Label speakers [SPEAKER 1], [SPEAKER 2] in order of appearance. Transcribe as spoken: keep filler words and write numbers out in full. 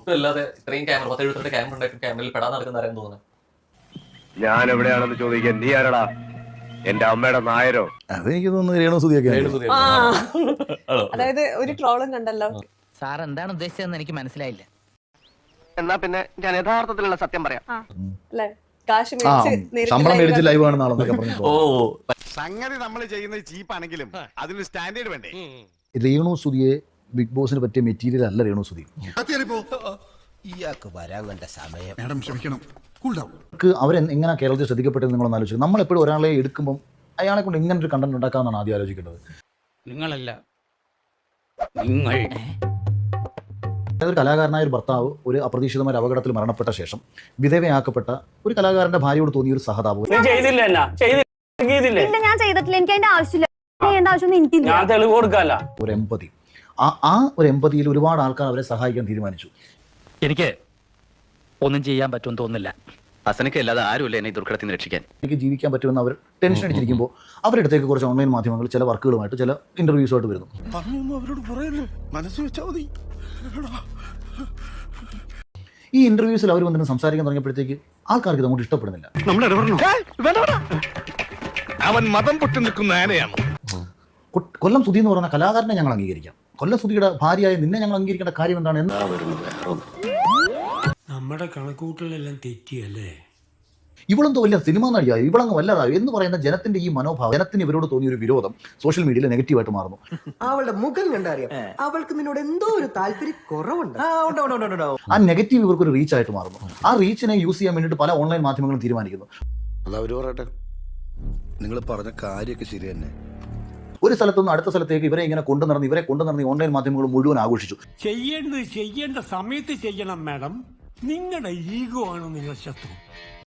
[SPEAKER 1] ഒട്ടും അല്ലാതെ ഇത്രയും ക്യാമറ പത്ത് എഴുപത്തിരണ്ട് ക്യാമറ ഉണ്ടായിട്ട് ക്യാമറയിൽ പെടാൻ നടക്കുന്ന ആരെയും തോന്നുന്നത്.
[SPEAKER 2] ഞാൻ എവിടെയാണെന്ന് ചോദിക്കാൻ നീ ആരടാ? എന്റെ അമ്മയുടെ നായരോ?
[SPEAKER 3] അതെനിക്ക് തോന്നുന്നു രേണു സുധിയൊക്കെ
[SPEAKER 4] അതായത് ഒരു ട്രോളും കണ്ടല്ലോ.
[SPEAKER 5] സാർ എന്താണ് ഉദ്ദേശിച്ചതെന്ന് എനിക്ക് മനസ്സിലായില്ല.
[SPEAKER 6] എന്നാ പിന്നെ ഞാൻ യഥാർത്ഥത്തിലുള്ള സത്യം പറയാം.
[SPEAKER 4] അല്ലെ കാശ്
[SPEAKER 3] ആ
[SPEAKER 4] മേടിച്ച്
[SPEAKER 3] ശമ്പളം മേടിച്ച് ലൈവ് ആണെന്നാണെന്നൊക്കെ പറഞ്ഞു.
[SPEAKER 1] ഓ
[SPEAKER 7] സംഗതി നമ്മൾ ചെയ്യുന്നത് ചീപ്പാണെങ്കിലും അതിന് സ്റ്റാൻഡേർഡ് വേണ്ടേ?
[SPEAKER 3] രേണു സുധിയെ ബിഗ് ബോസിന് പറ്റിയ മെറ്റീരിയൽ അല്ല രേണു സുധി.
[SPEAKER 8] ഇയാൾക്ക് വരാൻ കണ്ട സമയം.
[SPEAKER 9] മാഡം ക്ഷമിക്കണം, കൂൾ ഡൗൺ.
[SPEAKER 3] അവർ എങ്ങനെ കേരളത്തിൽ ശ്രദ്ധിക്കപ്പെട്ടത് നിങ്ങളൊന്ന് ആലോചിക്കും. നമ്മളെപ്പോഴും ഒരാളെ എടുക്കുമ്പോൾ അയാളെ കൊണ്ട് ഇങ്ങനെ ഒരു കണ്ടന്റ് ഉണ്ടാക്കാമെന്നാണ് ആദ്യം ആലോചിക്കേണ്ടത്.
[SPEAKER 8] നിങ്ങളല്ല നിങ്ങൾ.
[SPEAKER 3] ഒരു കലാകാരനായ ഒരു ഭർത്താവ് ഒരു അപ്രതീക്ഷിതമായ അപകടത്തിൽ മരണപ്പെട്ട ശേഷം വിധവയാക്കപ്പെട്ട ഒരു കലാകാരന്റെ ഭാര്യയോട് തോന്നിയ ഒരു സഹതാപം.
[SPEAKER 10] ഞാൻ ചെയ്തില്ല. എനിക്ക് അതിന്റെ ആവശ്യമില്ല. ഞാൻ തെളിവ് കൊടുക്കല്ല.
[SPEAKER 3] ഒരു എമ്പതി, ആ ആ ഒരു എമ്പതിയിൽ ഒരുപാട് ആൾക്കാർ അവരെ സഹായിക്കാൻ തീരുമാനിച്ചു.
[SPEAKER 5] എനിക്ക് ഒന്നും ചെയ്യാൻ പറ്റുമെന്ന് തോന്നുന്നില്ല.
[SPEAKER 6] ഹസനക്ക് അല്ലാതെ ആരുമില്ല എന്നെ ഈ ദുർഘടത്തിൽ നിന്ന് രക്ഷിക്കാൻ.
[SPEAKER 3] എനിക്ക് ജീവിക്കാൻ പറ്റുമെന്ന് അവർ ടെൻഷൻ അടിച്ചിരിക്കുമ്പോൾ അവരുടെ അടുത്തേക്ക് കുറച്ച് ഓൺലൈൻ മാധ്യമങ്ങൾ ചില വർക്കുകളുമായിട്ട് ചില ഇന്റർവ്യൂസുമായിട്ട് വരുന്നു.
[SPEAKER 9] അവരോട് പറയല്ലേ, മനസ്സ് വെച്ചാൽ മതി.
[SPEAKER 3] ഈ ഇന്റർവ്യൂസിൽ അവർ വന്നിട്ട് സംസാരിക്കാൻ തുടങ്ങിയപ്പോഴത്തേക്ക് ആൾക്കാർക്ക് ഇത് അങ്ങോട്ട് ഇഷ്ടപ്പെടുന്നില്ല.
[SPEAKER 7] അവൻ മതം പൊട്ടി നിൽക്കുന്ന ആനയാണ്.
[SPEAKER 3] കൊല്ലം സുധി എന്ന് പറയുന്ന കലാകാരനെ ഞങ്ങൾ അംഗീകരിക്കാം. കൊല്ലം സുധിയുടെ ഭാര്യയായ നിന്നെ ഞങ്ങൾ അംഗീകരിക്കേണ്ട കാര്യം എന്താണ്? എന്താ
[SPEAKER 11] നമ്മുടെ കണക്കൂട്ടലെല്ലാം തെറ്റിയല്ലേ?
[SPEAKER 3] ഇവളെന്തോ വലിയ സിനിമ നടിയായി, ഇവളങ്ങ് വല്ലതായോ എന്ന് പറയുന്ന ജനത്തിന്റെ ഈ മനോഭാവം, ജനത്തിന് ഇവരോട് തോന്നിയ ഒരു വിരോധം സോഷ്യൽ മീഡിയയിൽ നെഗറ്റീവായിട്ട് മാറുന്നു.
[SPEAKER 6] അവളുടെ മുഖം കണ്ടറിയാം അവൾക്ക് നിന്നോട് എന്തോ ഒരു താല്പര്യം കുറവുണ്ട്.
[SPEAKER 3] ആ നെഗറ്റീവ് ഇവർക്ക് ഒരു റീച്ച് ആയിട്ട് മാറുന്നു. ആ റീച്ചിനെ യൂസ് ചെയ്യാൻ വേണ്ടിയിട്ട് പല ഓൺലൈൻ മാധ്യമങ്ങളും തീരുമാനിക്കുന്നു.
[SPEAKER 9] അതവര് പറയട്ടെ, നിങ്ങൾ പറഞ്ഞ കാര്യമൊക്കെ ശരി തന്നെ.
[SPEAKER 3] ഒരു സ്ഥലത്തുനിന്ന് അടുത്ത സ്ഥലത്തേക്ക് ഇവരെ ഇങ്ങനെ കൊണ്ടു നടന്ന് ഇവരെ കൊണ്ടു നടന്ന് ഓൺലൈൻ മാധ്യമങ്ങൾ മുഴുവൻ ആഘോഷിച്ചു.
[SPEAKER 11] ചെയ്യേണ്ടത് ചെയ്യേണ്ട സമയത്ത് ചെയ്യണം മാഡം. നിങ്ങളുടെ ഈഗോ ആണ് നിങ്ങൾ ശത്രു.